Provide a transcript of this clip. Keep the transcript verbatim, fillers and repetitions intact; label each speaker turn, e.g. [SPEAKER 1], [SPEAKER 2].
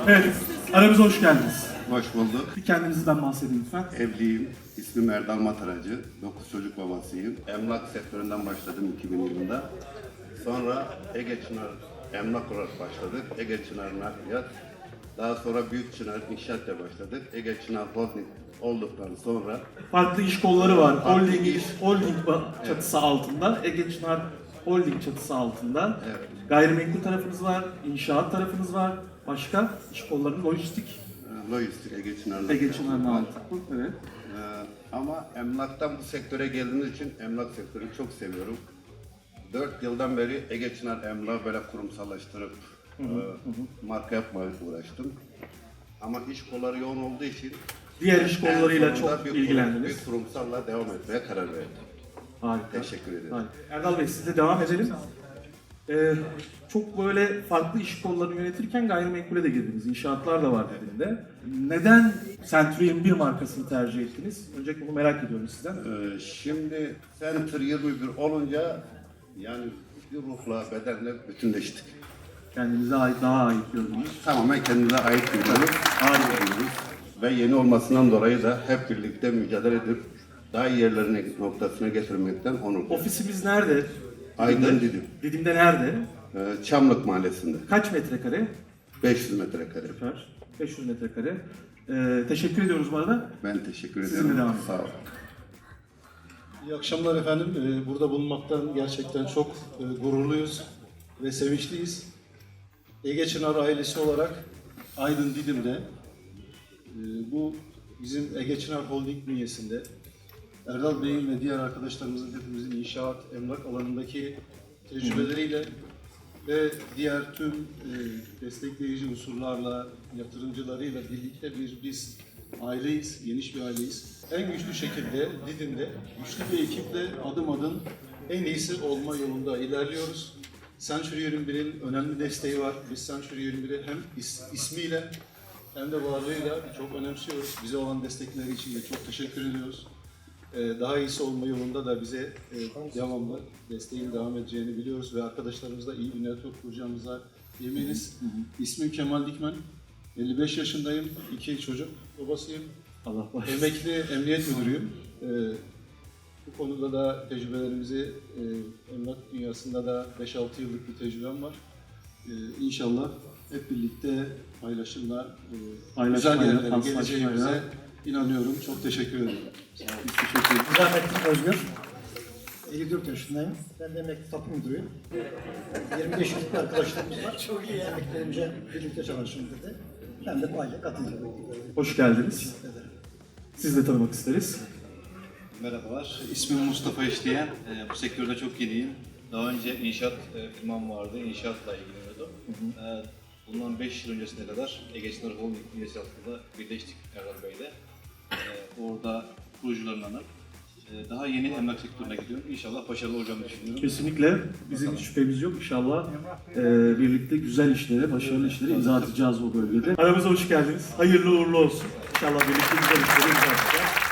[SPEAKER 1] Evet, aramıza hoş geldiniz.
[SPEAKER 2] Hoş bulduk.
[SPEAKER 1] Bir kendinizden bahsedin lütfen.
[SPEAKER 2] Evliyim. İsmim Erdal Mataracı. dokuz çocuk babasıyım. Emlak sektöründen başladım iki bin yılında. Sonra Ege Çınar emlak olarak başladık. Ege Çınar Nakliyat. Daha sonra Büyük Çınar İnşaat'la başladık. Ege Çınar Holding olduktan sonra
[SPEAKER 1] Farklı iş kolları var.
[SPEAKER 2] Farklı
[SPEAKER 1] Holding,
[SPEAKER 2] iş.
[SPEAKER 1] holding çatısı altında, Ege Çınar Holding çatısı altında.
[SPEAKER 2] Evet.
[SPEAKER 1] Gayrimenkul tarafınız var, inşaat tarafınız var. Başka iş kolları, lojistik,
[SPEAKER 2] e, lojistik Ege Çınar
[SPEAKER 1] Ege
[SPEAKER 2] Nakliyat
[SPEAKER 1] Çınar'ın
[SPEAKER 2] var.
[SPEAKER 1] altı. Evet.
[SPEAKER 2] Ee, ama emlaktan bu sektöre geldiğimiz için emlak sektörünü çok seviyorum. Dört yıldan beri Ege Çınar Emlak'ı böyle kurumsallaştırıp e, marka yapmaya uğraştım. Ama iş kolları yoğun olduğu için
[SPEAKER 1] Diğer iş
[SPEAKER 2] en
[SPEAKER 1] kollarıyla
[SPEAKER 2] sonunda
[SPEAKER 1] çok
[SPEAKER 2] bir kurum-
[SPEAKER 1] ilgilendiniz.
[SPEAKER 2] Bir kurumsalla devam etmeye karar verdim.
[SPEAKER 1] Harika.
[SPEAKER 2] Teşekkür ederim.
[SPEAKER 1] Harika. Erdal Bey, sizle devam edelim. Ee, çok böyle farklı iş kollarını yönetirken gayrimenkule de girdiniz. İnşaatlar da var dediğinde. Neden Century bir markasını tercih ettiniz? Öncelikle bunu merak ediyorum sizden.
[SPEAKER 2] Ee, şimdi Center yirmi bir olunca yani bir ruhla, bedenle bütünleştik.
[SPEAKER 1] Kendinize ait, daha ait gördünüz.
[SPEAKER 2] Tamamen kendimize ait görüyoruz.
[SPEAKER 1] Harika.
[SPEAKER 2] Ve yeni olmasından dolayı da hep birlikte mücadele edip daha iyi yerlerine noktasına getirmekten onur duyuyorum.
[SPEAKER 1] Ofisimiz nerede?
[SPEAKER 2] Aydın Didim.
[SPEAKER 1] Didim'de nerede?
[SPEAKER 2] Ee, Çamlık Mahallesi'nde.
[SPEAKER 1] Kaç metrekare?
[SPEAKER 2] beş yüz metrekare.
[SPEAKER 1] Süper. beş yüz metrekare. Ee, teşekkür ediyoruz bu arada.
[SPEAKER 2] Ben teşekkür
[SPEAKER 1] Sizinle
[SPEAKER 2] ederim.
[SPEAKER 1] devam edin.
[SPEAKER 2] Sağ olun.
[SPEAKER 3] İyi akşamlar efendim. Ee, Burada bulunmaktan gerçekten çok e, gururluyuz ve sevinçliyiz. Ege Çınar ailesi olarak Aydın Didim'de e, bu bizim Ege Çınar Holding bünyesinde Erdal Bey'in ve diğer arkadaşlarımızın hepimizin inşaat, emlak alanındaki tecrübeleriyle ve diğer tüm e, destekleyici unsurlarla, yatırımcılarıyla birlikte bir biz aileyiz, geniş bir aileyiz. En güçlü şekilde Didim'de güçlü bir ekiple adım adım en iyisi olma yolunda ilerliyoruz. Century yirmi birin önemli desteği var. Biz Century yirmi biri hem is, ismiyle hem de varlığıyla çok önemsiyoruz. Bize olan destekleri için de çok teşekkür ediyoruz. Ee, daha iyisi olma yolunda da bize e, devamlı desteğin devam edeceğini biliyoruz ve arkadaşlarımızla iyi bir network kuracağımıza eminiz. İsmim Kemal Dikmen. elli beş yaşındayım. İki çocuk babasıyım.
[SPEAKER 1] Allah bağışlasın.
[SPEAKER 3] Emekli emniyet müdürüyüm. Ee, bu konuda da tecrübelerimizi e, emlak dünyasında da beş altı yıllık bir tecrübem var. Ee, İnşallah hep birlikte paylaşımla e, güzel
[SPEAKER 1] Paylaşmayla,
[SPEAKER 3] yerlere
[SPEAKER 1] paslaşmayla.
[SPEAKER 3] geleceğimize inanıyorum. Çok teşekkür ederim.
[SPEAKER 1] Biz teşekkür ederiz.
[SPEAKER 4] Rahmetli Özgür. elli dört yaşındayım. Ben de emekli tapu müdürüyüm. yirmi beş yıllık bir arkadaşlarımız var. Çok iyi. Emeklerimize birlikte çalışın dedi. Ben de bu aile katıldım.
[SPEAKER 1] Hoş geldiniz. Siz de tanımak isteriz.
[SPEAKER 5] Merhabalar, ismim Mustafa İşleyen. Ee, bu sektörde çok yeniyim. Daha önce inşaat e, firmam vardı, inşaatla ilgileniyordum. Ee, bundan beş yıl öncesine kadar Ege Çınar Holding üyesi altında birleştik Erdal Bey'le. Ee, orada kurucularından ee, daha yeni emlak sektörüne gidiyorum. İnşallah başarılı olacağımı düşünüyorum.
[SPEAKER 1] Kesinlikle bizim hiç şüphemiz yok. İnşallah e, birlikte güzel işlere, başarılı işlere imza atacağız o bölgede. Aramıza hoş geldiniz. Hayırlı uğurlu olsun. İnşallah birlikte güzel işlere imza atacağız.